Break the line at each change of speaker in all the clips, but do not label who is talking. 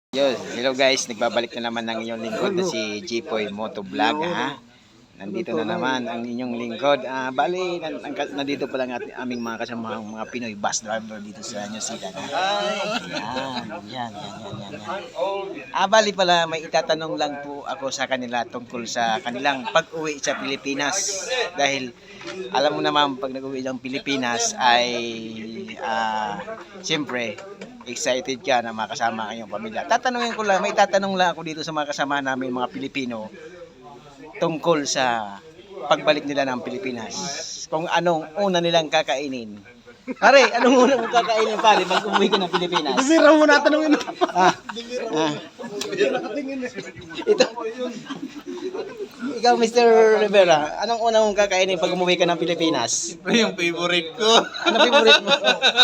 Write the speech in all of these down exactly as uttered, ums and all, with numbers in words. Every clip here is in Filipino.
Yo, hello guys, nagbabalik na naman ng inyong lingkod na si Jipoy Motovlog ha. Nandito na naman ang inyong lingkod. Ah, bali, nan, ang, nandito pa lang at aming mga kasama mga Pinoy bus driver dito sa New Zealand. Yan, yan, yan, yan, yan, yan. Ah, bali pala, may itatanong lang po ako sa kanila tungkol sa kanilang pag-uwi sa Pilipinas. Dahil alam mo naman pag nag-uwi ng Pilipinas ay ah, siyempre excited ka na makasama ang iyong pamilya. Tatanungin ko lang, may tatanong lang ako dito sa mga kasama namin mga Pilipino tungkol sa pagbalik nila ng Pilipinas. Kung anong una nilang kakainin. Pare, anong una mong kakainin pare pag umuwi ka ng Pilipinas?
Bibira mo na tanongin.
Ah, ah. Ito. Ikaw, mister Rivera, anong una mong kakainin pag umuwi ka ng Pilipinas?
Yung favorite ko.
Ano favorite mo?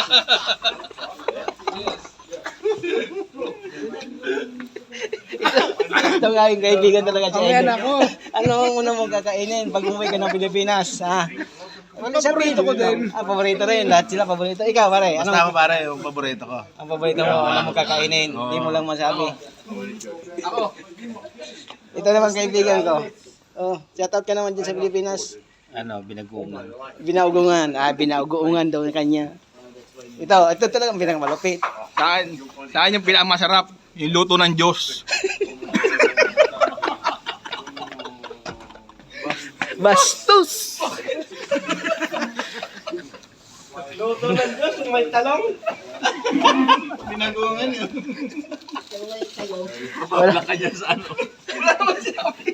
Ito nga yung kaibigan talaga siya.
Ayan ako.
Ano ang una mong kakainin pag umuwi ka ng Pilipinas? Ha? Wala sabihin.
Paborito ko din.
Ah, paborito rin. Lahat sila paborito. Ikaw, pare. Ano
Basta ako pare, yung paborito ko.
ang paborito mo? Ano mong kakainin? Hindi mo lang masabi.
Ako.
Ito naman kaibigan ko. Oh, shoutout ka naman dyan sa Pilipinas.
Ano, binagungan.
Binaugungan. Ah, binaugungan daw ng kanya. Ito, ito talagang pinakamalupit.
Saan? Saan yung pinakamasarap? Yung luto ng Diyos.
Bastos! Luto ng Diyos, may talong.
Binagungan yun.
Wala.
Wala ka dyan sa ano. Wala naman sinabi.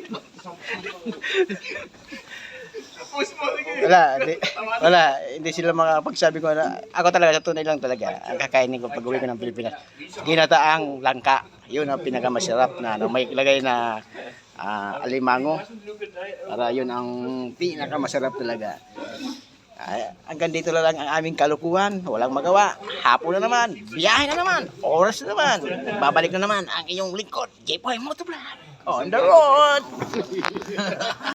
Wala, hindi, wala, hindi sila makapagsabi ko na ako talaga sa tunay lang talaga ang kakainin ko pag uwi ko ng Pilipinas. Ginataang langka, yun ang pinakamasarap na ano, may ilagay na ah, alimango. Para yun ang pinakamasarap talaga. Ay, hanggang dito na lang ang aming kalukuhan, walang magawa. Hapon na naman, biyahe na naman, oras na naman. Babalik na naman ang iyong lingkod, Jipoy Motovlog on the road.